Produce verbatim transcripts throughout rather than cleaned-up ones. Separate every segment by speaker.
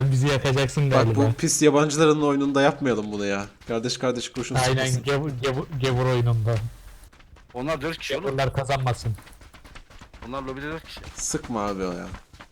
Speaker 1: Sen bizi yakacaksın
Speaker 2: Bak
Speaker 1: galiba.
Speaker 2: bu pis yabancıların oyununda yapmayalım bunu ya. Kardeş kardeş kurşun
Speaker 1: Aynen
Speaker 2: sıkmasın.
Speaker 1: gevur, gevur, gevur oyununda.
Speaker 3: Onlar dört kişi oğlum.
Speaker 1: Gevurlar kazanmasın.
Speaker 3: Onlar lobide dört kişi.
Speaker 2: Sıkma abi o ya.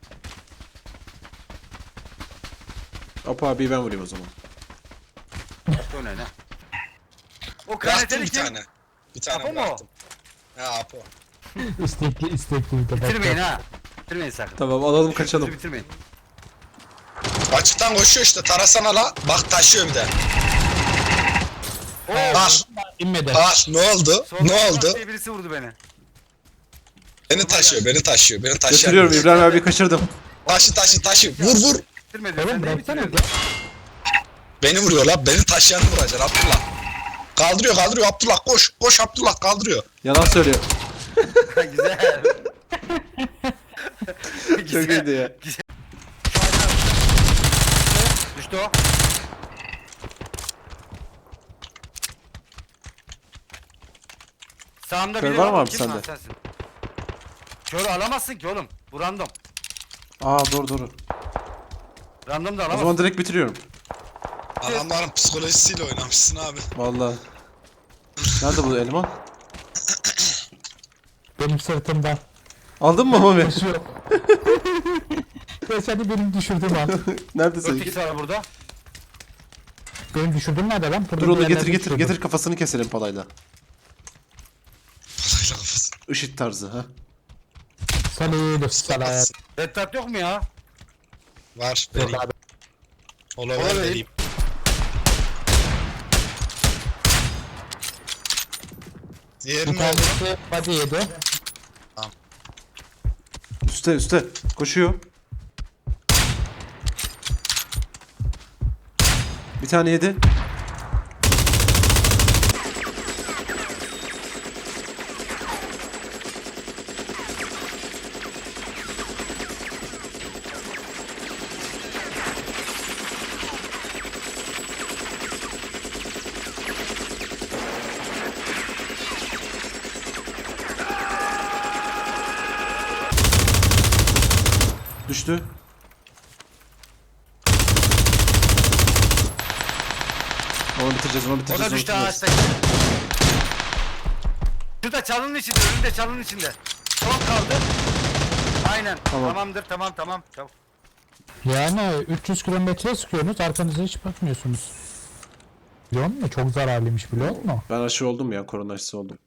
Speaker 2: Hop abi ben vurayım o zaman.
Speaker 3: O ne ne? O
Speaker 4: Bıraktım
Speaker 3: kaneteli
Speaker 4: bir
Speaker 3: kim?
Speaker 4: tane. Bir tane
Speaker 3: Apo mu?
Speaker 4: bıraktım. Ha Apo.
Speaker 1: İstekli istekli de
Speaker 3: Bitirmeyin ha. Bitirmeyin sakın.
Speaker 2: Tamam alalım
Speaker 3: Şu
Speaker 2: kaçalım.
Speaker 3: kızı bitirmeyin.
Speaker 4: Açıktan koşuyor işte, tarasana la. Bak taşıyor bir de.
Speaker 3: Oo.
Speaker 4: Bak,
Speaker 1: İnmedi.
Speaker 4: bak ne oldu?
Speaker 3: Solda
Speaker 4: Ne
Speaker 3: Murat
Speaker 4: oldu?
Speaker 3: diye birisi vurdu beni.
Speaker 4: Beni taşıyor, beni taşıyor, beni taşıyor.
Speaker 2: Götürüyorum İbrahim abi kaçırdım.
Speaker 4: Taşı taşı taşı. Vur vur.
Speaker 3: Bitirmedi.
Speaker 1: Oğlum
Speaker 3: Sen neyi
Speaker 1: bıraksana
Speaker 3: bitiriyorsun?
Speaker 4: Beni vuruyor la. Beni taşıyanı vuracaksın Abdullah. Kaldırıyor kaldırıyor Abdullah, koş. Koş Abdullah, kaldırıyor.
Speaker 2: Yalan söylüyor.
Speaker 3: Güzel.
Speaker 2: Çok iyiydi ya.
Speaker 3: Düştü o. Sağımda
Speaker 2: Kör
Speaker 3: biri
Speaker 2: var mı abi
Speaker 3: Kim
Speaker 2: sende?
Speaker 3: lan sensin? Körü alamazsın ki oğlum. Bu random.
Speaker 2: Aa doğru doğru.
Speaker 3: Random da
Speaker 2: O
Speaker 3: alamazsın.
Speaker 2: zaman direkt bitiriyorum.
Speaker 4: Adamların psikolojisiyle oynamışsın abi.
Speaker 2: Vallahi. Nerede bu eleman?
Speaker 1: Benim sırtımda.
Speaker 2: Aldın mı Mami?
Speaker 1: Koşuyor. Ve seni benim düşürdüm al.
Speaker 2: Nerede
Speaker 3: dört
Speaker 2: seninki?
Speaker 3: kişi var burada.
Speaker 1: Benim düşürdüğüm nerede lan? Burada
Speaker 2: Dur onu
Speaker 1: bir
Speaker 2: getir
Speaker 1: yerlerde
Speaker 2: getir
Speaker 1: düşürdüm.
Speaker 2: getir kafasını keselim palayla.
Speaker 4: Palayla kafası.
Speaker 2: IŞİD tarzı ha.
Speaker 1: Salut salat.
Speaker 3: Red Dot yok mu ya?
Speaker 4: Var,
Speaker 1: Yok
Speaker 4: vereyim.
Speaker 1: abi.
Speaker 4: Ola
Speaker 3: Ola
Speaker 4: ver
Speaker 3: vereyim.
Speaker 4: vereyim. Diğeri
Speaker 1: Bir
Speaker 4: ne oldu?
Speaker 1: tanesi body yedi.
Speaker 2: Üste üste. Koşuyor. Bir tane yedi. Düştü. Onu bitireceğiz, onu
Speaker 3: O
Speaker 2: bitireceğiz.
Speaker 3: da
Speaker 2: onu
Speaker 3: düştü
Speaker 2: bitireceğiz.
Speaker 3: ağaçtaki. Şurada çalının içinde, önünde çalının içinde. Son kaldı. Aynen.
Speaker 2: Tamam.
Speaker 3: Tamamdır, tamam, tamam. Çabuk.
Speaker 1: Yani üç yüz kilometre sıkıyorsunuz, arkanıza hiç bakmıyorsunuz. Biliyor musun? Çok zararlıymış biliyor musun?
Speaker 2: Ben aşı oldum ya, korona aşısı oldum.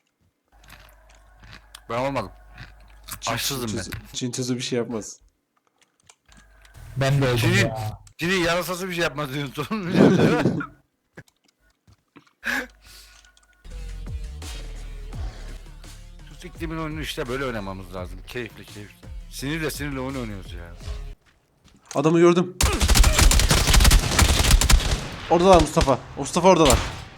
Speaker 3: Ben olmadım.
Speaker 2: Çin-
Speaker 3: Aşsızım
Speaker 2: Çin
Speaker 3: ben.
Speaker 2: tüzü- Çin tüzü bir şey yapmaz.
Speaker 1: Ben de öldüm
Speaker 3: Çin-
Speaker 1: ya.
Speaker 3: Cini yarasası bir şey yapmaz diyorsun. Türk iklimin oyunu işte böyle oynamamız lazım. Keyifli keyifli. Sinirle sinirle oyun oynuyoruz ya.
Speaker 2: Adamı gördüm. Oradalar Mustafa. Mustafa oradalar.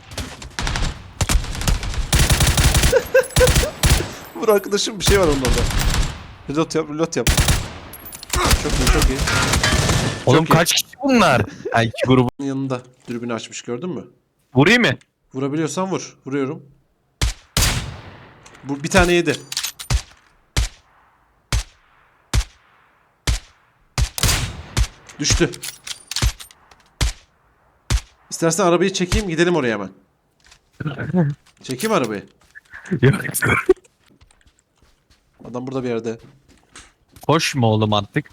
Speaker 2: Vur arkadaşım, bir şey var onun orada. Reload yap, reload yap. Çok iyi, çok iyi.
Speaker 5: Oğlum
Speaker 2: Çok iyi.
Speaker 5: kaç kişi bunlar? Ha, iki grubun.
Speaker 2: Yanında dürbünü açmış, gördün mü?
Speaker 5: Vurayım mı?
Speaker 2: Vurabiliyorsan vur. Vuruyorum. Bu bir tane yedi. Düştü. İstersen arabayı çekeyim, gidelim oraya hemen. Çekeyim arabayı.
Speaker 5: Yok.
Speaker 2: Adam burada bir yerde.
Speaker 5: Koşma oğlum artık.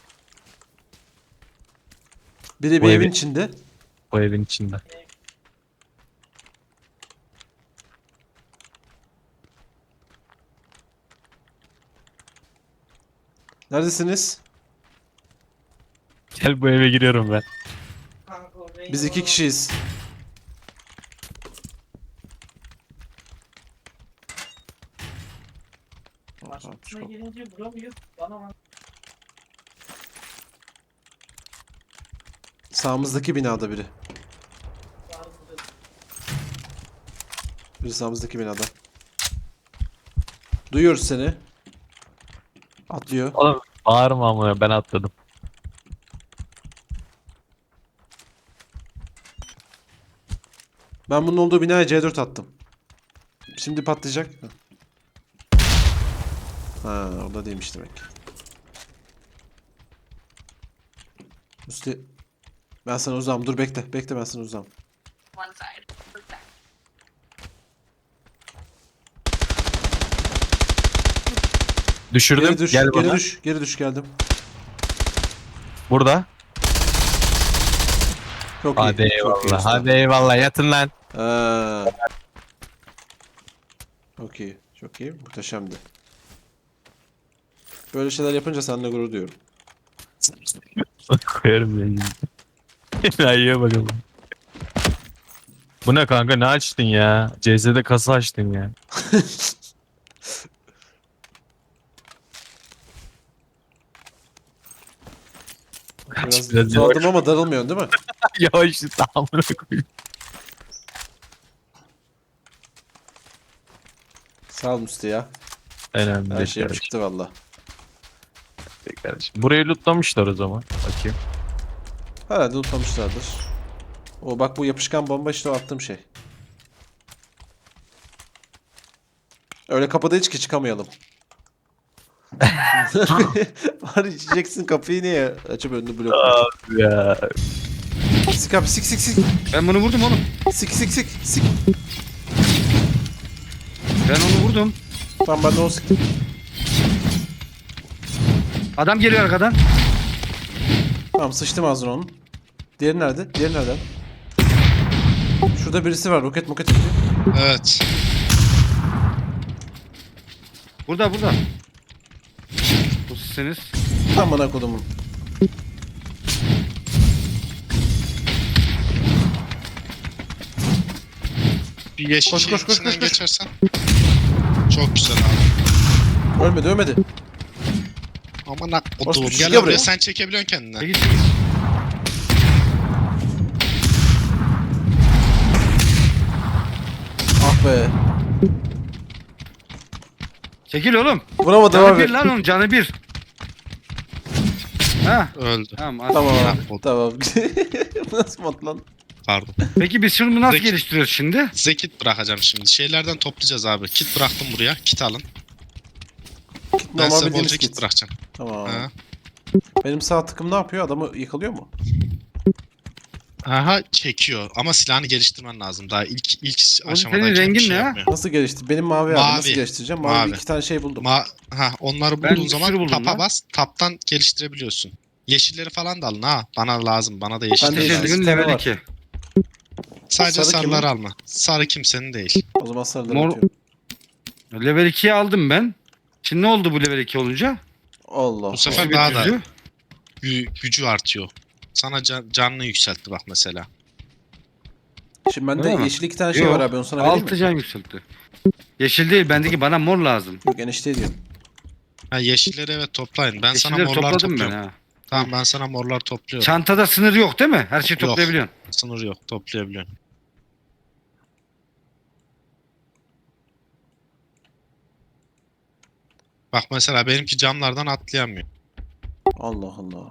Speaker 2: Biri
Speaker 5: Bu
Speaker 2: bir
Speaker 5: evi-
Speaker 2: evin içinde.
Speaker 5: Bu evin içinde.
Speaker 2: Neredesiniz?
Speaker 5: Gel bu eve giriyorum ben.
Speaker 2: Biz iki kişiyiz.
Speaker 6: Başkasına gelince vuramıyor. Bana
Speaker 2: Sağımızdaki binada biri. Biri sağımızdaki binada. Duyuyoruz seni. Atlıyor.
Speaker 5: Oğlum bağırma ama ben atladım.
Speaker 2: Ben bunun olduğu binaya C dört attım. Şimdi patlayacak. Ha, orada değilmiş demek. Üste Ben sana uzağım. Dur bekle. Bekle ben sana uzağım.
Speaker 6: One side. Look back.
Speaker 5: Düşürdüm.
Speaker 2: Geri düş.
Speaker 5: Gel
Speaker 2: Geri
Speaker 5: bana.
Speaker 2: düş. Geri düş geldim.
Speaker 5: Burada.
Speaker 2: Çok iyi.
Speaker 5: Hadi
Speaker 2: çok iyi
Speaker 5: eyvallah.
Speaker 2: usta.
Speaker 5: Hadi eyvallah. Yatın lan.
Speaker 2: Ha. Çok iyi. Çok iyi. Muhteşemdi. Böyle şeyler yapınca seninle gurur duyuyorum.
Speaker 5: Koyarım ben. Enayiye bakalım. Bu ne kanka, ne açtın ya? C Z'de kasa açtın ya.
Speaker 2: Biraz
Speaker 5: Biraz
Speaker 2: saldım ama darılmıyorsun değil mi?
Speaker 5: Yavaş amına koyayım.
Speaker 2: Sağ ol Musti ya.
Speaker 5: Önemli
Speaker 2: Her
Speaker 5: değil
Speaker 2: şeyim
Speaker 5: kardeşim.
Speaker 2: çıktı valla.
Speaker 5: kardeşim. Burayı lootlamışlar o zaman. Bakayım.
Speaker 2: Herhalde unutmamışlardır. O bak bu yapışkan bomba işte o attığım şey. Öyle kapıda hiç ki çıkamayalım. Var içeceksin kapıyı niye açıp önünü blok.
Speaker 5: Ya.
Speaker 2: Sik abi sik sik sik.
Speaker 3: Ben bunu vurdum oğlum.
Speaker 2: Sik sik sik sik.
Speaker 3: Ben onu vurdum.
Speaker 2: Tamam ben de onu siktim.
Speaker 3: Adam geliyor arkadan.
Speaker 2: Tamam sıçtım ağzına onun. Diğeri nerede? Diğeri nerede? Şurada birisi var. Roket moket atıyor.
Speaker 4: Evet.
Speaker 3: Burada burada. Bu sizsiniz.
Speaker 2: Tam bana kodumun.
Speaker 4: Bir yeşil
Speaker 2: Koş,
Speaker 4: şeyin
Speaker 2: koş, koş,
Speaker 4: içinden
Speaker 2: koş, koş.
Speaker 4: geçersen. Çok güzel abi.
Speaker 2: Ölmedi ölmedi.
Speaker 4: Aman ak
Speaker 2: Orası
Speaker 4: otuğum.
Speaker 2: bir
Speaker 4: Gel
Speaker 2: şey
Speaker 4: buraya
Speaker 2: buraya.
Speaker 4: sen çekebiliyorsun kendine.
Speaker 3: Çekil çekil.
Speaker 2: Ah be.
Speaker 3: Çekil oğlum.
Speaker 2: Vuramadım
Speaker 3: Canı
Speaker 2: abi.
Speaker 3: bir lan onun canı bir. Ha
Speaker 4: Öldü.
Speaker 3: tamam.
Speaker 2: Tamam
Speaker 4: Ah,
Speaker 2: abi.
Speaker 4: oldu.
Speaker 2: Tamam. Bu nasıl mod lan?
Speaker 4: Pardon.
Speaker 3: Peki biz şunu nasıl
Speaker 4: Peki.
Speaker 3: geliştiriyoruz şimdi?
Speaker 4: Size kit bırakacağım şimdi. Şeylerden toplayacağız abi. Kit bıraktım buraya. Kit alın. Ben
Speaker 2: Normal
Speaker 4: size
Speaker 2: bildiğimiz
Speaker 4: bolca kit
Speaker 2: kit.
Speaker 4: bırakacağım.
Speaker 2: Tamam.
Speaker 4: Ha.
Speaker 2: Benim sağ tıkım ne yapıyor? Adamı yıkalıyor mu?
Speaker 4: Aha çekiyor ama silahını geliştirmen lazım. Daha ilk ilk
Speaker 3: Oğlum
Speaker 4: aşamadan
Speaker 3: senin rengin
Speaker 4: şey
Speaker 3: ne ya?
Speaker 4: yapmıyor.
Speaker 2: Nasıl gelişti? Benim mavi, abi.
Speaker 4: Mavi.
Speaker 2: Nasıl geliştireceğim? Mavi,
Speaker 4: Mavi.
Speaker 2: iki tane şey buldum.
Speaker 4: Ma ha onları
Speaker 3: Ben
Speaker 4: bulduğun
Speaker 3: bir
Speaker 4: zaman
Speaker 3: sürü buldum
Speaker 4: tapa
Speaker 3: lan.
Speaker 4: bas. Taptan geliştirebiliyorsun. Yeşilleri falan da alın ha. Bana lazım. Bana da yeşil
Speaker 2: Ben de
Speaker 3: Ateş
Speaker 2: yeşil
Speaker 4: lazım.
Speaker 3: eldiven
Speaker 2: tane
Speaker 3: level
Speaker 2: var.
Speaker 3: iki.
Speaker 4: Sadece
Speaker 2: Sarı kimin?
Speaker 4: sarıları alma. Sarı kimsenin değil.
Speaker 2: O zaman sarıları
Speaker 3: Mor-
Speaker 2: atıyorum.
Speaker 3: Level ikiyi aldım ben. Şimdi ne oldu bu level iki olunca?
Speaker 2: Allah.
Speaker 4: Bu sefer
Speaker 3: Nasıl bir
Speaker 4: daha da
Speaker 3: gücü?
Speaker 4: gü- gücü artıyor. Sana can canını yükseltti bak mesela.
Speaker 2: Şimdi bende
Speaker 3: Öyle mi?
Speaker 2: yeşil iki tane şey
Speaker 3: Yok,
Speaker 2: var abi. Onu sana vereyim
Speaker 3: Altı
Speaker 2: mi?
Speaker 3: can yükseltti. Yeşil değil bendeki bana mor lazım.
Speaker 2: Yok enişte diyorum.
Speaker 4: Ha yeşilleri evet toplayın. Ben sana
Speaker 3: Yeşilleri
Speaker 4: morlar
Speaker 3: topladım ben
Speaker 4: topluyorum.
Speaker 3: ha.
Speaker 4: Tamam ben sana morlar topluyorum.
Speaker 3: Çantada sınır yok değil mi? Her şeyi
Speaker 4: Yok.
Speaker 3: toplayabiliyorsun.
Speaker 4: Sınır yok. Toplayabiliyorsun. Bak mesela benimki camlardan atlayamıyor.
Speaker 2: Allah Allah.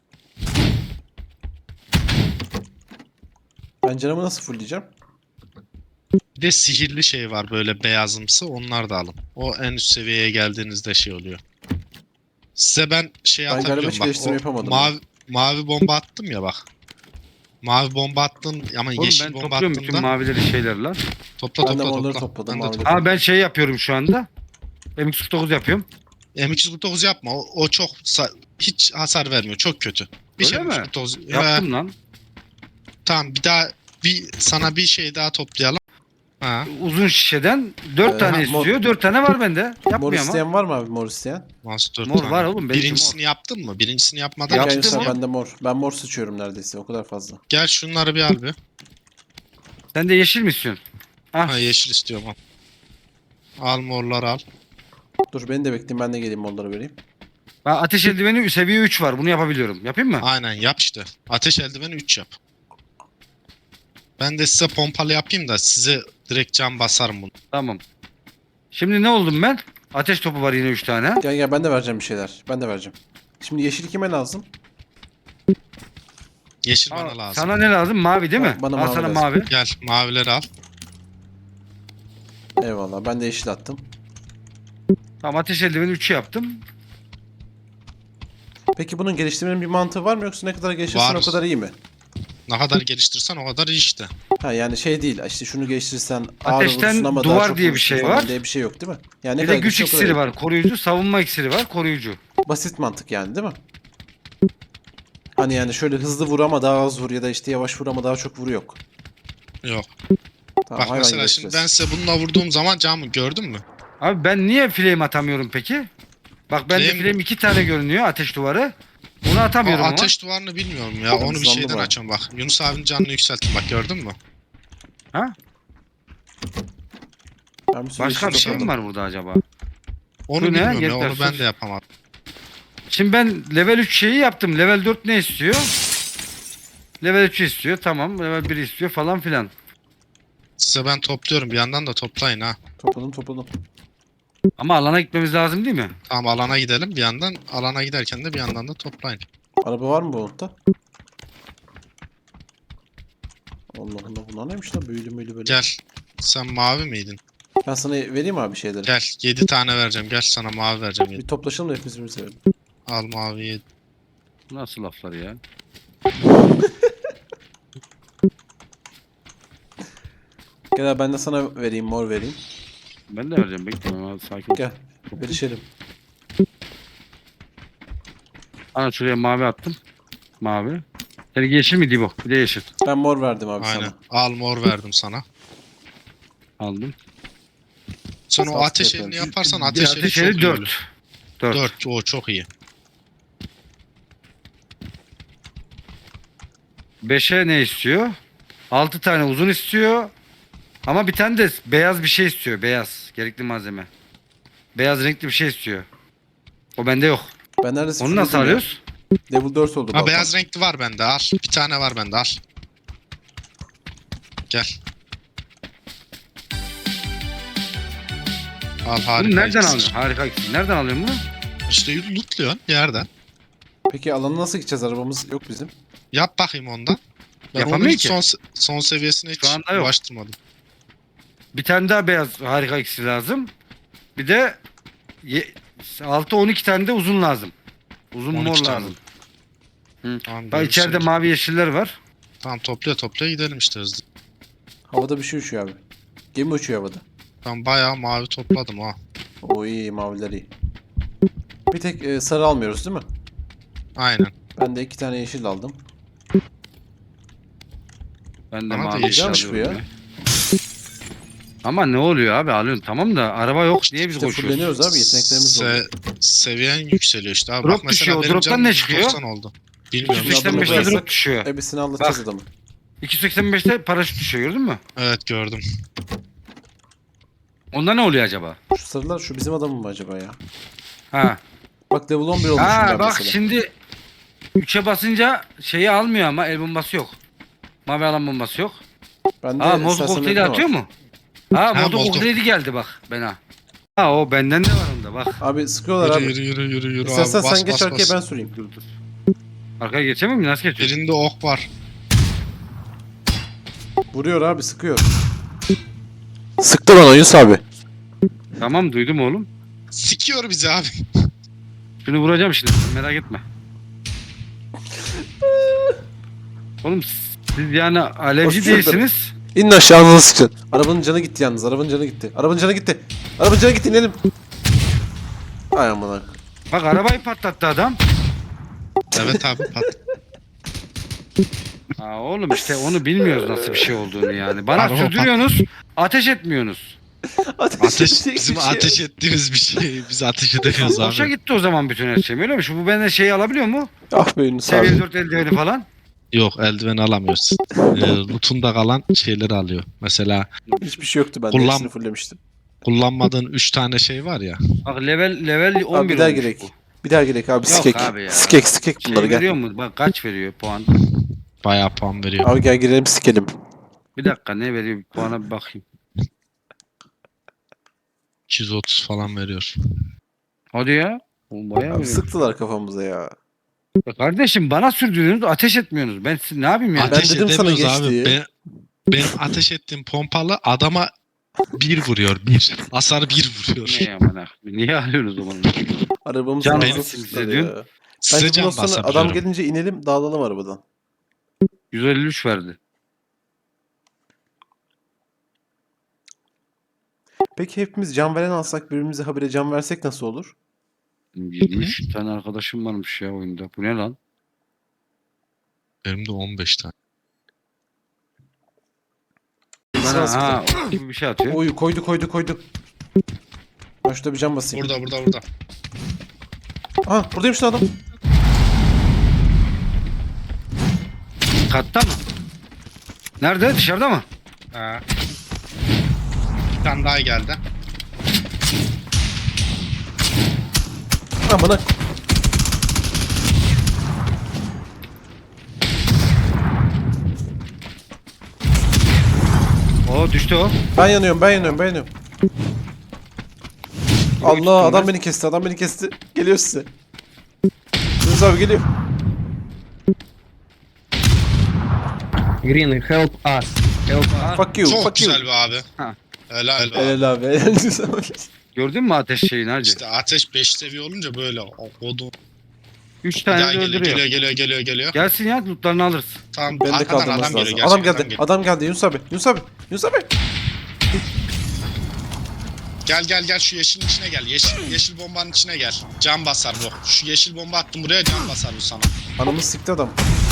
Speaker 2: Ben canımı nasıl fullleyeceğim?
Speaker 4: Bir de sihirli şey var böyle beyazımsı, onlar da alın. O en üst seviyeye geldiğinizde şey oluyor. Size ben şey
Speaker 2: Ben galiba
Speaker 4: atabiliyorum
Speaker 2: hiç
Speaker 4: bak.
Speaker 2: geliştirme
Speaker 4: o
Speaker 2: yapamadım
Speaker 4: mavi, mavi bomba attım ya bak. Mavi bomba attın ama
Speaker 3: Oğlum
Speaker 4: yeşil
Speaker 3: ben
Speaker 4: bomba
Speaker 3: topluyorum bütün
Speaker 4: attığında
Speaker 3: mavileri şeyler lan.
Speaker 4: topla
Speaker 2: Ben de
Speaker 4: topla
Speaker 2: morları
Speaker 4: topla.
Speaker 2: topladım,
Speaker 4: Ben de
Speaker 2: mavileri.
Speaker 4: topla.
Speaker 3: Ha ben şey yapıyorum şu anda. M X kırk dokuz yapıyorum.
Speaker 4: M iki yüz kırk dokuz yapma. O, o çok sa- hiç hasar vermiyor. Çok kötü. Bir
Speaker 3: Öyle
Speaker 4: şey
Speaker 3: mi?
Speaker 4: M iki yüz kırk dokuz.
Speaker 3: Yaptım
Speaker 4: He,
Speaker 3: lan.
Speaker 4: tamam bir daha bir sana bir şey daha toplayalım. Ha,
Speaker 3: Uzun şişeden dört
Speaker 2: Ee,
Speaker 3: tane
Speaker 2: ha, mor-
Speaker 3: istiyor. dört tane var bende.
Speaker 2: Mor
Speaker 3: Yapmıyor ama.
Speaker 2: isteyen var mı abi mor isteyen?
Speaker 4: Master
Speaker 3: Mor
Speaker 4: tane.
Speaker 3: var oğlum, benimki
Speaker 4: Birincisini yaptın mı? Birincisini yapmadan
Speaker 3: Yaptım
Speaker 2: Gel
Speaker 3: oğlum.
Speaker 2: bende mor. Ben mor sıçıyorum neredeyse o kadar fazla.
Speaker 4: gel şunları bir al bir.
Speaker 3: Sen de yeşil mi istiyorsun? Ah.
Speaker 4: Ha yeşil istiyorum al. Al morları al.
Speaker 2: Dur beni de bekleyin ben de geleyim morları vereyim.
Speaker 3: Ben ateş eldiveni seviye üç var. Bunu yapabiliyorum. Yapayım mı?
Speaker 4: Aynen yap işte. Ateş eldiveni üç yap. Ben de size pompalı yapayım da size direkt can basarım bunu.
Speaker 3: Tamam. Şimdi ne oldum ben? Ateş topu var yine üç tane.
Speaker 2: Gel gel ben de vereceğim bir şeyler. Ben de vereceğim. Şimdi yeşil kime lazım?
Speaker 4: Yeşil
Speaker 3: Aa,
Speaker 4: bana lazım.
Speaker 3: sana ne lazım? Mavi değil mi?
Speaker 2: Ha, bana
Speaker 3: Al
Speaker 2: mavi
Speaker 3: sana
Speaker 2: lazım.
Speaker 3: mavi.
Speaker 4: Gel mavileri al.
Speaker 2: Eyvallah ben de yeşil attım.
Speaker 3: Tamam ateş eldiveni üçü yaptım.
Speaker 2: Peki bunun geliştirmenin bir mantığı var mı yoksa ne kadar gelişirsen
Speaker 4: Var.
Speaker 2: o kadar iyi mi?
Speaker 4: Ne kadar geliştirsen o kadar iyi işte.
Speaker 2: Ha yani şey değil işte şunu geçtirirsen ağır
Speaker 3: Ateşten
Speaker 2: vurursun ama
Speaker 3: duvar
Speaker 2: daha çok
Speaker 3: diye bir
Speaker 2: vurursun
Speaker 3: şey
Speaker 2: falan
Speaker 3: var.
Speaker 2: diye bir şey yok değil mi? Yani ne
Speaker 3: Bir de
Speaker 2: kadar
Speaker 3: güç
Speaker 2: güçlü o kadar
Speaker 3: iksiri
Speaker 2: iyi.
Speaker 3: var. Koruyucu. Savunma iksiri var. Koruyucu.
Speaker 2: Basit mantık yani değil mi? Hani yani şöyle hızlı vur ama daha az vur ya da işte yavaş vur ama daha çok vur yok.
Speaker 4: Yok.
Speaker 2: Tamam,
Speaker 4: Bak
Speaker 2: hayvan
Speaker 4: mesela
Speaker 2: gibi
Speaker 4: şimdi ben
Speaker 2: yapacağız.
Speaker 4: size bununla vurduğum zaman camı gördün mü?
Speaker 3: Abi ben niye flame atamıyorum peki? Bak bende
Speaker 4: Flame-
Speaker 3: flame iki tane görünüyor ateş duvarı. Bunu
Speaker 4: O
Speaker 3: atamıyorum ama.
Speaker 4: ateş duvarını bilmiyorum ya. Onu bir
Speaker 2: hızlandı
Speaker 4: şeyden
Speaker 2: bayağı.
Speaker 4: açıyorum bak. Yunus abinin canını yükselttim bak gördün mü?
Speaker 3: Ha?
Speaker 2: Ben bir sürü
Speaker 3: Başka bir
Speaker 2: yeşil
Speaker 3: şey mi
Speaker 2: topladım.
Speaker 3: var burada acaba?
Speaker 4: Onu
Speaker 3: Bu ne?
Speaker 4: bilmiyorum ya.
Speaker 3: Yeter,
Speaker 4: Onu ben
Speaker 3: sus.
Speaker 4: de yapamadım.
Speaker 3: Şimdi ben level üç şeyi yaptım. Level dört ne istiyor? Level üç istiyor. Tamam. Level bir istiyor falan filan.
Speaker 4: Size ben topluyorum. Bir yandan da toplayın ha.
Speaker 2: Topladım topladım.
Speaker 3: Ama alana gitmemiz lazım değil mi?
Speaker 4: Tamam alana gidelim. Bir yandan alana giderken de bir yandan da toplayın.
Speaker 2: Araba var mı bu unutta? Allah Allah bunlar neymiş lan büyülü müylü böyle.
Speaker 4: Gel. Sen mavi miydin?
Speaker 2: Ben sana vereyim abi şeyleri.
Speaker 4: Gel. yedi tane vereceğim. Gel sana mavi vereceğim.
Speaker 2: Bir
Speaker 4: yedi.
Speaker 2: toplaşalım da hepimiz birbirimize verelim.
Speaker 4: Al mavi yedi.
Speaker 3: Nasıl laflar ya?
Speaker 2: Gel abi ben de sana vereyim mor vereyim.
Speaker 3: Ben de vereceğim. Bekle. Abi, sakin ol.
Speaker 2: Gel. Verişelim.
Speaker 3: Ana şuraya mavi attım. Mavi. Senin yeşil mi Dibo? Bir de yeşil.
Speaker 2: Ben mor verdim abi
Speaker 4: Aynen.
Speaker 2: sana.
Speaker 4: Al mor verdim sana.
Speaker 3: Aldım.
Speaker 4: Sen o
Speaker 2: Saf
Speaker 4: ateş
Speaker 2: yapıyorum.
Speaker 4: elini yaparsan
Speaker 3: Bir
Speaker 4: ateş eli
Speaker 3: ateş
Speaker 4: çok
Speaker 3: eli
Speaker 4: iyi
Speaker 3: dört.
Speaker 4: olur.
Speaker 3: dört.
Speaker 4: dört. O çok iyi.
Speaker 3: beşe ne istiyor? altı tane uzun istiyor. Ama bir tane de beyaz bir şey istiyor. Beyaz. Gerekli malzeme. Beyaz renkli bir şey istiyor. O bende yok.
Speaker 2: Ben neredeyse
Speaker 3: Onu nasıl
Speaker 2: fullledim ya.
Speaker 3: alıyoruz?
Speaker 2: Level dört oldu
Speaker 4: Ha
Speaker 2: balkon.
Speaker 4: beyaz renkli var bende al. Bir tane var bende al. Gel. Al harika.
Speaker 3: Bunu nereden
Speaker 4: iksir.
Speaker 3: alıyorsun? Harika iksir. Nereden alıyorsun bunu?
Speaker 4: İşte lootluyorsun bir yerden.
Speaker 2: Peki alana nasıl gideceğiz? Arabamız yok bizim.
Speaker 4: Yap bakayım ondan. Ben onu
Speaker 3: Yapamıyor
Speaker 4: hiç
Speaker 3: ki.
Speaker 4: son, son seviyesine hiç
Speaker 3: Şu anda yok.
Speaker 4: ulaştırmadım.
Speaker 3: Bir tane daha beyaz harika iksir lazım. Bir de altı on iki tane de uzun lazım. Uzun
Speaker 4: on iki
Speaker 3: mor
Speaker 4: tane.
Speaker 3: lazım. Hı.
Speaker 4: Tamam,
Speaker 3: Bak
Speaker 4: görüşürüz.
Speaker 3: içeride mavi yeşiller var.
Speaker 4: Tamam toplaya toplaya gidelim işte hızlı.
Speaker 2: Havada bir şey uçuyor abi. Gemi uçuyor havada.
Speaker 4: Ben bayağı mavi topladım ha.
Speaker 2: O iyi maviler iyi. Bir tek e, sarı almıyoruz değil mi?
Speaker 4: Aynen.
Speaker 2: Ben de iki tane yeşil aldım.
Speaker 3: Ben de
Speaker 4: Bana da
Speaker 3: mavi
Speaker 4: yeşil
Speaker 3: yeşil
Speaker 2: almış bu ya.
Speaker 3: alıyorum ya. Ama ne oluyor abi alıyorsun tamam da araba yok diye biz
Speaker 2: İşte
Speaker 3: koşuyoruz.
Speaker 2: fulleniyoruz abi yeteneklerimiz
Speaker 4: Se
Speaker 2: oluyor.
Speaker 4: seviyen yükseliyor işte abi.
Speaker 3: Drop
Speaker 4: Bak mesela
Speaker 3: düşüyor, o
Speaker 4: benim
Speaker 3: drop'tan
Speaker 4: canım
Speaker 3: ne çıkıyor?
Speaker 4: doksan oldu. Bilmiyorum.
Speaker 2: Üç yüz seksen beş
Speaker 3: iki yüz seksen beşte
Speaker 2: adamı
Speaker 3: drop düşüyor.
Speaker 2: Hepsini anlatacağız
Speaker 3: Bak.
Speaker 2: adamı.
Speaker 3: iki yüz seksen beşte paraşüt düşüyor gördün mü?
Speaker 4: Evet gördüm.
Speaker 3: Onda ne oluyor acaba?
Speaker 2: Şu sarılar şu bizim adamın mı acaba ya?
Speaker 3: Ha.
Speaker 2: Bak level on bir olmuş
Speaker 3: Ha
Speaker 2: bunlar
Speaker 3: bak
Speaker 2: mesela.
Speaker 3: şimdi üçe basınca şeyi almıyor ama el bombası yok. Mavi alan bombası yok.
Speaker 2: Bende
Speaker 3: Ha mozu
Speaker 2: sersemletme
Speaker 3: kokteyli
Speaker 2: var.
Speaker 3: atıyor mu? Ha
Speaker 4: Ha,
Speaker 3: modu
Speaker 4: Molotov.
Speaker 3: kokteyli geldi bak bana. Ha o benden de var onda bak.
Speaker 2: Abi sıkıyorlar
Speaker 4: Yürü
Speaker 2: abi.
Speaker 4: yürü yürü yürü yürü
Speaker 2: İstersen
Speaker 4: abi. Bas
Speaker 2: sen geç
Speaker 4: bas
Speaker 2: arkaya
Speaker 4: bas.
Speaker 2: ben süreyim.
Speaker 3: Dur dur. Arkaya geçemem mi? Nasıl geçiyorsun?
Speaker 4: Birinde ok var.
Speaker 2: Vuruyor abi sıkıyor. Sıktı bana Yunus abi.
Speaker 3: Tamam duydum oğlum.
Speaker 4: Sikiyor bizi abi.
Speaker 3: Şunu vuracağım şimdi merak etme. Oğlum siz yani alevci
Speaker 2: Hoş bulduk.
Speaker 3: değilsiniz.
Speaker 2: İnin aşağı ağzına sıkacaksın. Arabanın canı gitti yalnız. Arabanın canı gitti. Arabanın canı gitti. Arabanın canı gitti inelim. Ay aman.
Speaker 3: Bak arabayı patlattı adam.
Speaker 4: Evet abi pat.
Speaker 3: Ha oğlum işte onu bilmiyoruz nasıl bir şey olduğunu yani. Bana
Speaker 4: Araba
Speaker 3: sürdürüyorsunuz, ateş etmiyorsunuz.
Speaker 4: Ateş bizim ateş ettiğimiz bir şey. Biz ateş edemiyoruz
Speaker 3: Boşa
Speaker 4: abi.
Speaker 3: gitti o zaman bütün her şey. Öyle mi? Şu bu benden şeyi alabiliyor mu?
Speaker 2: Ah be Yunus
Speaker 3: Seviye
Speaker 2: abi.
Speaker 3: dört eldiveni falan.
Speaker 4: Yok eldiven alamıyoruz. Ee, loot'unda kalan şeyleri alıyor. Mesela
Speaker 2: Hiçbir şey yoktu bende.
Speaker 4: Kullan-
Speaker 2: Hepsini fulllemiştim.
Speaker 4: kullanmadığın üç tane şey var ya.
Speaker 3: Bak level level on
Speaker 2: Abi
Speaker 3: bir
Speaker 2: bir daha
Speaker 3: olmuş
Speaker 2: gerek.
Speaker 3: bu.
Speaker 2: Bir daha gerek abi.
Speaker 3: Yok
Speaker 2: Skek.
Speaker 3: abi ya.
Speaker 2: Skek skek
Speaker 3: Şey
Speaker 2: bunları
Speaker 3: veriyor
Speaker 2: gel.
Speaker 3: mu? Bak kaç veriyor puan?
Speaker 4: Bayağı puan veriyor.
Speaker 2: Abi gel girelim sikelim.
Speaker 3: Bir dakika ne veriyor? Puana bir bakayım.
Speaker 4: iki yüz otuz falan veriyor.
Speaker 3: Hadi ya. Oğlum bayağı
Speaker 2: Abi
Speaker 3: veriyor.
Speaker 2: sıktılar kafamıza ya.
Speaker 3: Ya kardeşim bana sürdürüyorsunuz ateş etmiyorsunuz. Ben siz ne yapayım ya?
Speaker 2: Ben
Speaker 4: Ateş
Speaker 2: dedim sana
Speaker 4: edemiyoruz abi.
Speaker 2: geç diye.
Speaker 4: Ben, benim ateş ettiğim pompalı adama bir vuruyor. Bir. Hasar bir vuruyor.
Speaker 3: Ne ya bana? Niye alıyorsunuz o zaman?
Speaker 2: Arabamızı
Speaker 3: Can
Speaker 2: ağzına
Speaker 3: benim
Speaker 2: sıktılar
Speaker 3: sizin
Speaker 2: ya.
Speaker 4: Size
Speaker 2: Bence
Speaker 4: can
Speaker 2: bundan sonra adam
Speaker 4: basabiliyorum.
Speaker 2: gelince inelim dağılalım arabadan.
Speaker 3: yüz elli üç verdi.
Speaker 2: Peki hepimiz can veren alsak birbirimize habire can versek nasıl olur?
Speaker 3: yedi üç tane arkadaşım varmış ya oyunda. Bu ne lan?
Speaker 4: Benim de on beş tane.
Speaker 3: Bana
Speaker 2: Sıra
Speaker 3: ha o gibi bir şey atıyor.
Speaker 2: Oy koydu koydu koydu. Ben şurada bir can basayım.
Speaker 4: Burada burada burada.
Speaker 2: Aha buradaymış lan adam.
Speaker 3: Katta mı? Nerede? Dışarıda mı?
Speaker 4: Ha. Bir tane daha geldi.
Speaker 2: Amına.
Speaker 3: O düştü o.
Speaker 2: Ben yanıyorum ben yanıyorum ben yanıyorum. Allah adam beni kesti adam beni kesti. Geliyor size. Yunus abi geliyor.
Speaker 7: Green, help us. Help us.
Speaker 2: Fuck you
Speaker 4: Çok
Speaker 2: fuck you.
Speaker 4: güzel be abi.
Speaker 3: Ha.
Speaker 4: Helal be.
Speaker 2: Helal abi helal olsun.
Speaker 3: Gördün mü ateş şeyini hacı?
Speaker 4: İşte ateş beş seviye olunca böyle o odun.
Speaker 3: Üç
Speaker 4: Bir
Speaker 3: tane
Speaker 4: daha
Speaker 3: de
Speaker 4: geliyor,
Speaker 3: öldürüyor.
Speaker 4: geliyor geliyor geliyor geliyor.
Speaker 3: Gelsin ya lootlarını alırız.
Speaker 4: Tamam
Speaker 2: Ben de
Speaker 4: arkadan
Speaker 2: kaldırması
Speaker 4: adam geliyor.
Speaker 2: lazım. Adam
Speaker 4: gerçekten
Speaker 2: geldi.
Speaker 4: geliyor.
Speaker 2: Adam geldi Yunus abi. Yunus abi. Yunus abi.
Speaker 4: Gel gel gel şu yeşilin içine gel. Yeşil yeşil bombanın içine gel. Can basar bu. Şu yeşil bomba attım buraya can basar bu sana.
Speaker 2: Anamı sikti adam.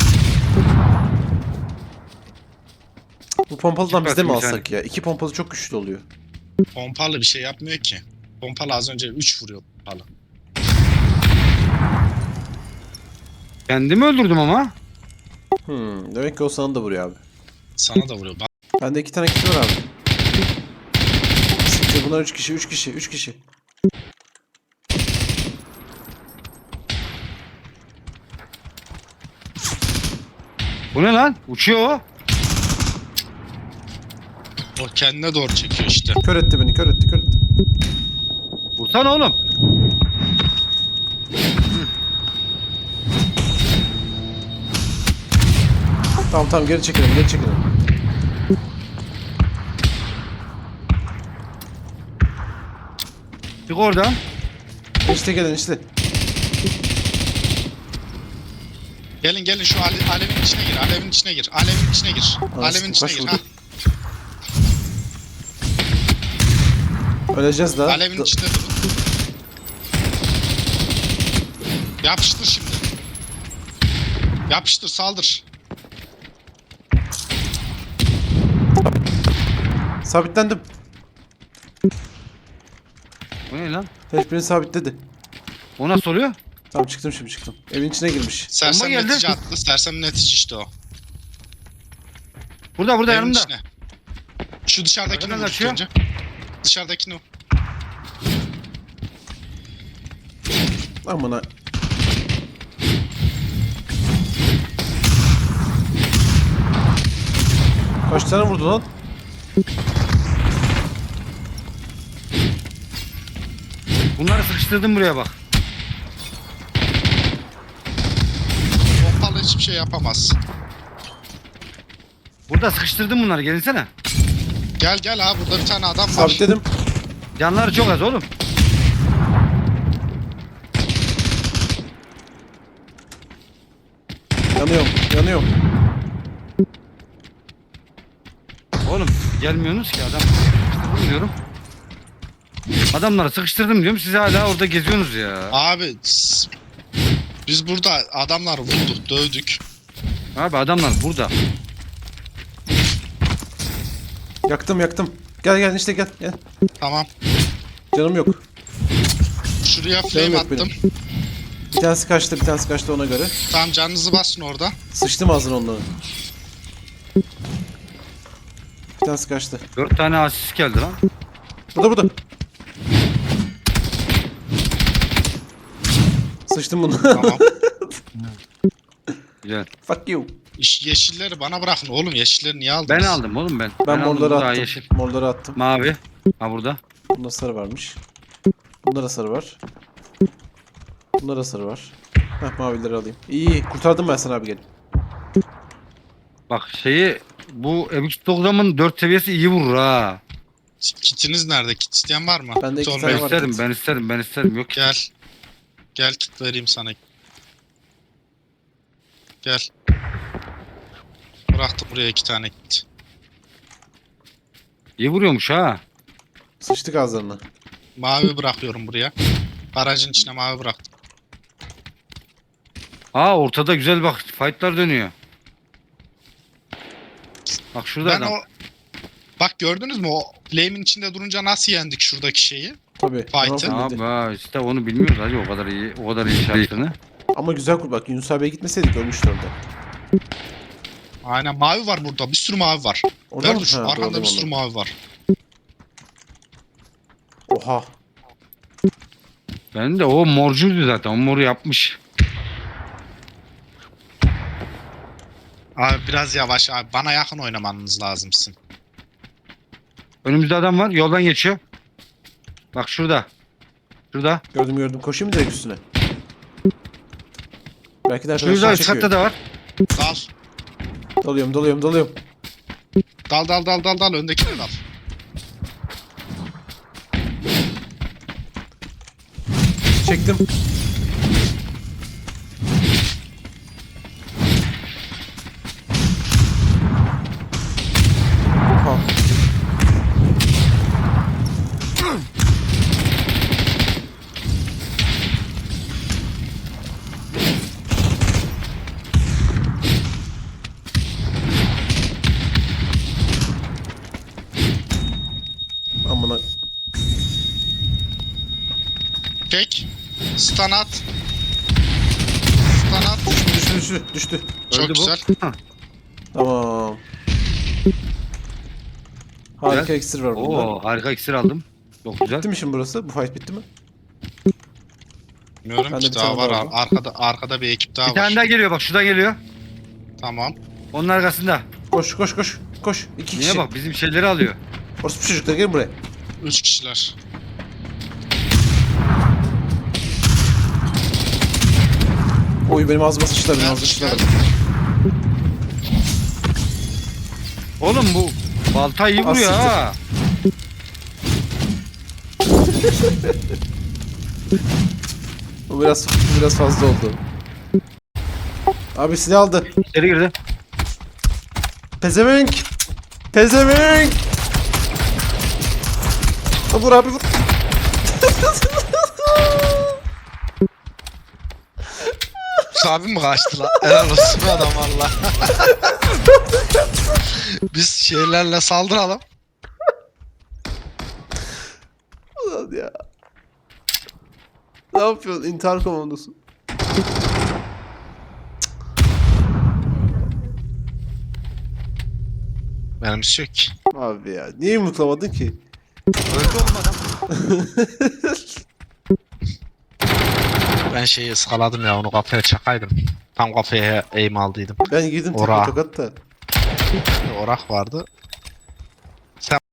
Speaker 2: Bu pompalıdan
Speaker 3: İki
Speaker 2: biz de mi
Speaker 3: basın bir
Speaker 2: alsak ya? İki pompalı çok güçlü oluyor.
Speaker 4: Pompalı bir şey yapmıyor ki. Pompalı az önce üç vuruyor pompalı.
Speaker 3: Kendimi öldürdüm ama.
Speaker 2: Hmm, demek ki o sana da vuruyor abi.
Speaker 4: Sana da vuruyor. Bak
Speaker 2: Bende iki tane kişi var abi. Siktir bunlar üç kişi, üç kişi, üç kişi.
Speaker 3: Bu ne lan? Uçuyor o.
Speaker 4: o kendine doğru çekiyor işte.
Speaker 2: Kör etti beni, kör etti, kör etti.
Speaker 3: Vursana oğlum.
Speaker 2: Tamam tamam geri çekelim, geri çekelim.
Speaker 3: Çık oradan.
Speaker 2: İşte gelin işte.
Speaker 4: Gelin gelin şu ale- alevin içine gir. Alevin içine gir. Alevin içine gir.
Speaker 2: Anasını
Speaker 4: Alevin içine
Speaker 2: kaç
Speaker 4: gir.
Speaker 2: vurdu?
Speaker 4: Ha.
Speaker 2: Öleceğiz daha.
Speaker 4: Alevin
Speaker 2: Da-
Speaker 4: içinde durun. Yapıştır şimdi. Yapıştır saldır.
Speaker 2: Sabitlendim.
Speaker 3: Bu ne lan?
Speaker 2: Herif beni sabitledi.
Speaker 3: O nasıl oluyor?
Speaker 2: Tamam çıktım şimdi çıktım. Evin içine girmiş.
Speaker 4: Sersem
Speaker 3: geldi.
Speaker 4: netice attı. Sersem netice işte o.
Speaker 3: Burada burada
Speaker 4: Evin
Speaker 3: yanımda.
Speaker 4: içine. Şu dışarıdakini
Speaker 3: Nereden
Speaker 4: vur ilk
Speaker 3: kaçıyor?
Speaker 4: önce. Dışarıdakini vur.
Speaker 2: Amına. Kaç tane vurdu lan?
Speaker 3: Bunları sıkıştırdım buraya bak.
Speaker 4: Pompalı hiçbir şey yapamaz.
Speaker 3: Burada sıkıştırdım bunları gelinsene.
Speaker 4: Gel gel abi burada bir tane adam var.
Speaker 2: Sabitledim.
Speaker 3: Canları çok az oğlum.
Speaker 2: Yanıyorum, yanıyorum.
Speaker 3: Oğlum gelmiyorsunuz ki adam. Sıkıştırdım diyorum. Adamları sıkıştırdım diyorum. Siz hala orada geziyorsunuz ya.
Speaker 4: Abi s- biz burada adamlar vurduk, dövdük.
Speaker 3: Abi adamlar burada.
Speaker 2: Yaktım yaktım. Gel gel işte gel gel.
Speaker 4: Tamam.
Speaker 2: Canım yok.
Speaker 4: Şuraya
Speaker 2: Canım
Speaker 4: flame
Speaker 2: yok
Speaker 4: attım.
Speaker 2: benim. Bir tanesi kaçtı, bir tanesi kaçtı ona göre.
Speaker 4: Tamam canınızı basın orada.
Speaker 2: Sıçtım ağzına onların. Bir tanesi kaçtı.
Speaker 3: Dört tane asist geldi lan.
Speaker 2: Burada burada. Sıçtım bunu.
Speaker 4: Tamam.
Speaker 3: Güzel.
Speaker 2: Fuck you.
Speaker 4: İş- Yeşilleri bana bırakın oğlum. Yeşilleri niye aldınız?
Speaker 3: Ben aldım oğlum ben.
Speaker 2: Ben,
Speaker 3: aldım, bu
Speaker 2: morları
Speaker 3: daha
Speaker 2: attım.
Speaker 3: yeşil.
Speaker 2: Morları attım.
Speaker 3: Mavi. Ha burada.
Speaker 2: Bunda sarı varmış. Bunda da sarı var. Bunda da sarı var. Heh mavileri alayım. İyi iyi. Kurtardım ben sana abi gelin.
Speaker 3: Bak şeyi bu M iki doksanın dört seviyesi iyi vurur ha.
Speaker 4: Kitiniz nerede? Kit isteyen var mı?
Speaker 2: Bende iki
Speaker 4: Kit
Speaker 2: tane
Speaker 3: Ben
Speaker 4: olmayan-
Speaker 2: var.
Speaker 3: isterim,
Speaker 2: kit.
Speaker 3: ben isterim, ben isterim. Yok ki.
Speaker 4: Gel. Gel kit vereyim sana. Gel. bıraktım buraya iki tane kit.
Speaker 3: İyi vuruyormuş ha.
Speaker 2: Sıçtık ağızlarına.
Speaker 4: Mavi bırakıyorum buraya. Garajın içine mavi bıraktım.
Speaker 3: Aa ortada güzel bak fightlar dönüyor. Bak şurada
Speaker 4: Ben
Speaker 3: adam.
Speaker 4: o... Bak gördünüz mü o flame'in içinde durunca nasıl yendik şuradaki şeyi?
Speaker 2: Tabii.
Speaker 4: Fight'ı.
Speaker 2: Tamam,
Speaker 3: Abi ha, işte onu bilmiyoruz hacı o kadar iyi o kadar iyi şartını.
Speaker 2: ama güzel kurt bak. Yunus abiye gitmeseydik ölmüştü orada.
Speaker 4: Aynen mavi var burada. Bir sürü mavi var.
Speaker 2: Orada
Speaker 4: Ver
Speaker 2: mı?
Speaker 4: dur şu
Speaker 2: Ha,
Speaker 4: arkanda
Speaker 2: gördüm
Speaker 4: bir sürü
Speaker 2: onu.
Speaker 4: mavi var.
Speaker 2: Oha.
Speaker 3: Ben de o morcuydu zaten o moru yapmış.
Speaker 4: Abi biraz yavaş abi. Bana yakın oynamanız lazımsın.
Speaker 3: Önümüzde adam var yoldan geçiyor. Bak şurada. Şurada.
Speaker 2: Gördüm gördüm. Koşayım mı direkt üstüne? Belki de
Speaker 3: Şurada
Speaker 2: arkadaşlar
Speaker 3: üst katta
Speaker 2: çıkıyor.
Speaker 3: da var.
Speaker 4: Dal.
Speaker 2: Dalıyorum dalıyorum dalıyorum.
Speaker 4: Dal dal dal dal dal. Öndekine dal.
Speaker 2: Çektim. Oha. Amına.
Speaker 4: Çek. Stun at. Stun at.
Speaker 2: Düştü düştü düştü.
Speaker 4: Çok
Speaker 3: Öldü bu.
Speaker 4: güzel.
Speaker 3: Hah.
Speaker 2: Tamam. Harika
Speaker 3: Güzel.
Speaker 2: iksir var burada.
Speaker 3: Oo harika iksir aldım. Çok güzel.
Speaker 2: Bitti mi şimdi burası? Bu fight bitti mi?
Speaker 4: Bilmiyorum
Speaker 2: Ben de
Speaker 4: ki
Speaker 2: bir
Speaker 4: daha
Speaker 2: tane
Speaker 4: var.
Speaker 2: daha
Speaker 4: ar-
Speaker 2: aldım.
Speaker 4: Arkada arkada bir ekip daha
Speaker 3: Bir
Speaker 4: var.
Speaker 3: tane daha geliyor bak şuradan geliyor.
Speaker 4: Tamam.
Speaker 3: Onun arkasında.
Speaker 2: Koş koş koş. Koş. İki
Speaker 3: Niye
Speaker 2: kişi.
Speaker 3: bak bizim şeyleri alıyor.
Speaker 2: Orası çocuklar gelin buraya.
Speaker 4: Üç kişiler.
Speaker 2: Oy benim ağzıma sıçtılar benim
Speaker 4: Ben
Speaker 2: ağzıma sıçtılar.
Speaker 3: Oğlum bu balta iyi vuruyor
Speaker 2: siktir.
Speaker 3: ha.
Speaker 2: Bu biraz bu biraz fazla oldu. Abi silah aldı.
Speaker 3: İçeri girdi.
Speaker 2: Pezevenk. Pezevenk. Ha, vur abi vur.
Speaker 4: Abi mi kaçtı lan? Helal olsun be adam valla. Biz şeylerle saldıralım.
Speaker 2: Ulan ya. Ne yapıyorsun? İntihar komandosu.
Speaker 4: Benim bir şey yok ki.
Speaker 2: Abi ya. Niye yumruklamadın ki?
Speaker 3: Öldü oğlum adam.
Speaker 4: Ben şeyi ıskaladım ya onu kafaya çakaydım. Tam kafaya aim aldıydım.
Speaker 2: Ben girdim
Speaker 4: Ora.
Speaker 2: tekme tokat da.
Speaker 4: Orak vardı.